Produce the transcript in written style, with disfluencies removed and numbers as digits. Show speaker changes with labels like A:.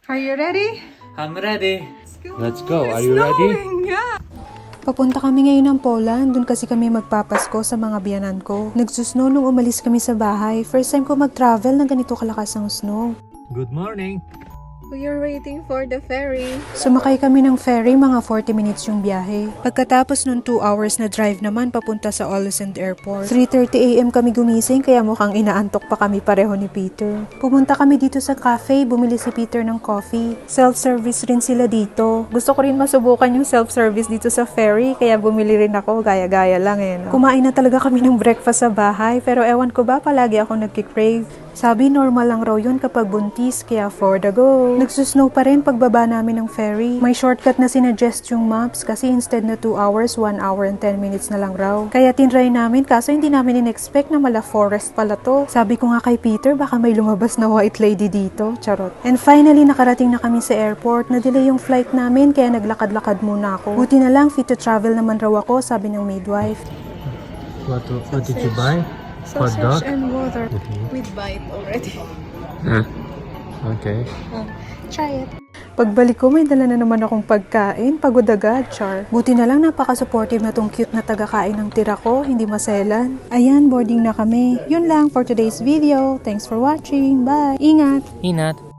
A: Are you ready?
B: I'm ready.
C: Let's go. Are
A: It's
C: you ready?
A: snowing, yeah.
D: Papunta kami ngayon ng Poland, dun kasi kami magpapasko sa mga biyanan ko. Nagsusnow nung umalis kami sa bahay. First time ko mag-travel na ganito kalakas ang snow.
C: Good morning.
A: We are waiting for the ferry.
D: Sumakay kami ng ferry, mga 40 minutes yung biyahe. Pagkatapos nung 2 hours na drive naman papunta sa Ålesund Airport. 3:30 AM kami gumising kaya mukhang inaantok pa kami pareho ni Peter. Pumunta kami dito sa cafe, bumili si Peter ng coffee. Self-service rin sila dito. Gusto ko rin masubukan yung self-service dito sa ferry kaya bumili rin ako, gaya-gaya lang No? Kumain na talaga kami ng breakfast sa bahay pero ewan ko ba palagi ako nagkikrave. Sabi normal lang raw yun kapag buntis, kaya for the go. Nagsusnow pa rin pagbaba namin ng ferry. May shortcut na sinuggest yung maps kasi instead na 2 hours, 1 hour and 10 minutes na lang raw. Kaya tinry namin kaso hindi namin in-expect na mala forest pala to. Sabi ko nga kay Peter baka may lumabas na white lady dito. Charot. And finally nakarating na kami sa airport. Na-delay yung flight namin kaya naglakad-lakad muna ako. Buti na lang fit to travel naman raw ako, sabi ng midwife.
C: What did you buy? Hot dog?
A: Sausage and water with bite already.
C: Okay.
A: Try it.
D: Pagbalik ko, may dala na naman akong pagkain. Pagod agad, char. Buti na lang napaka-supportive na tong cute na taga-kain ng tira ko, hindi maselan. Ayan, boarding na kami. Yun lang for today's video. Thanks for watching. Bye! Ingat!
B: Inat.